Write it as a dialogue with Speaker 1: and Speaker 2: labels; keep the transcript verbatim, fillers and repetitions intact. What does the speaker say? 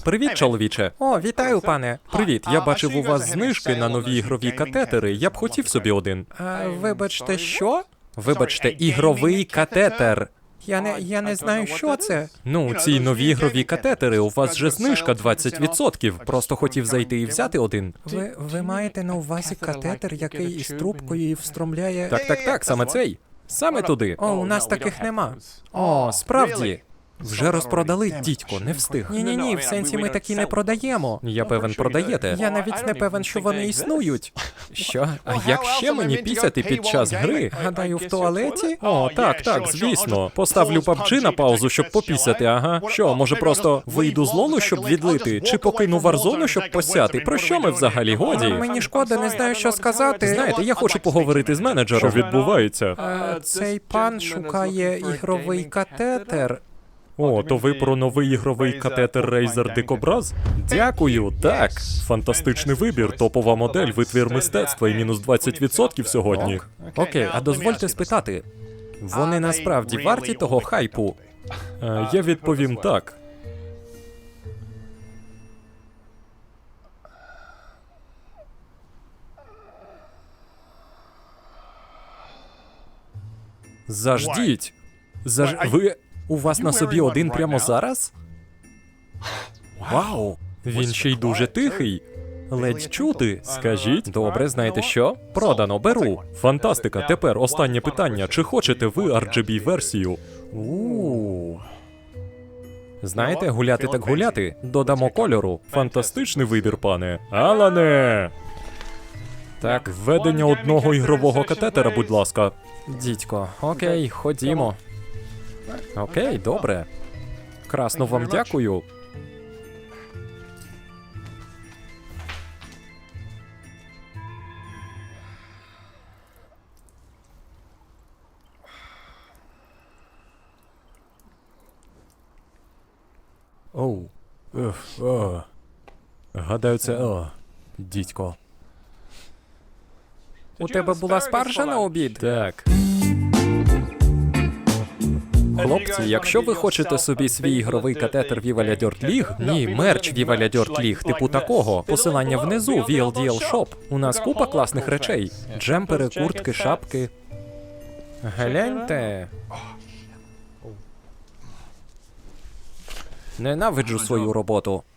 Speaker 1: Привіт, чоловіче.
Speaker 2: О, вітаю, пане.
Speaker 1: Привіт, я бачив у вас знижки на нові ігрові катетери. Я б хотів собі один.
Speaker 2: А, вибачте, що?
Speaker 1: Вибачте, ігровий катетер.
Speaker 2: Я не, я не знаю, що це.
Speaker 1: Ну, ці нові ігрові катетери, у вас же знижка двадцять відсотків. Просто хотів зайти і взяти один.
Speaker 2: Ви, ви маєте на увазі катетер, який із трубкою і встромляє...
Speaker 1: Так, так, так, саме цей. Саме туди.
Speaker 2: О, у нас таких нема.
Speaker 1: О, справді. Вже розпродали, дідько, не встиг.
Speaker 2: Ні-ні-ні, в сенсі ми такі не продаємо.
Speaker 1: Я певен, продаєте.
Speaker 2: Я навіть не певен, що вони існують.
Speaker 1: Що? А як ще мені пісяти під час гри?
Speaker 2: Гадаю, в туалеті?
Speaker 1: О, так, так, звісно. Поставлю пабджі на паузу, щоб попісяти, ага. Що, може просто вийду з лолу, щоб відлити? Чи покину варзону, щоб посяти? Про що ми взагалі, годі?
Speaker 2: Мені шкода, не знаю, що сказати.
Speaker 1: Знаєте, я хочу поговорити з менеджером. Що відбувається?
Speaker 2: Е, Цей пан шукає ігровий катетер.
Speaker 1: О, то ви про новий ігровий катетер Razer Дикобраз? Дякую, так. Фантастичний вибір, топова модель, витвір мистецтва і мінус двадцять відсотків сьогодні. Окей, а дозвольте спитати, вони насправді варті того хайпу? Е, я відповім так. Заждіть. Заж... Ви... У вас на собі один прямо зараз? Вау! Він ще й дуже тихий. Ледь чути. Скажіть. Добре, знаєте що? Продано, беру. Фантастика. Тепер останнє питання. Чи хочете ви ар джі бі-версію? У. Знаєте, гуляти так гуляти. Додамо кольору. Фантастичний вибір, пане. Алане! Так, введення одного ігрового катетера, будь ласка. Дідько, окей, ходімо. Окей, добре. Красно вам дякую. Оу. Уф, о. Гадаю, це о. Дідько.
Speaker 2: У тебе була спаржа на обід?
Speaker 1: Так. Хлопці, якщо ви хочете собі свій ігровий катетер Viva La Dirt League, ні, мерч Viva La Dirt League, типу такого, посилання внизу, ві ел ді ел Shop. У нас купа класних речей. Джемпери, куртки, шапки. Гляньте. Ненавиджу свою роботу.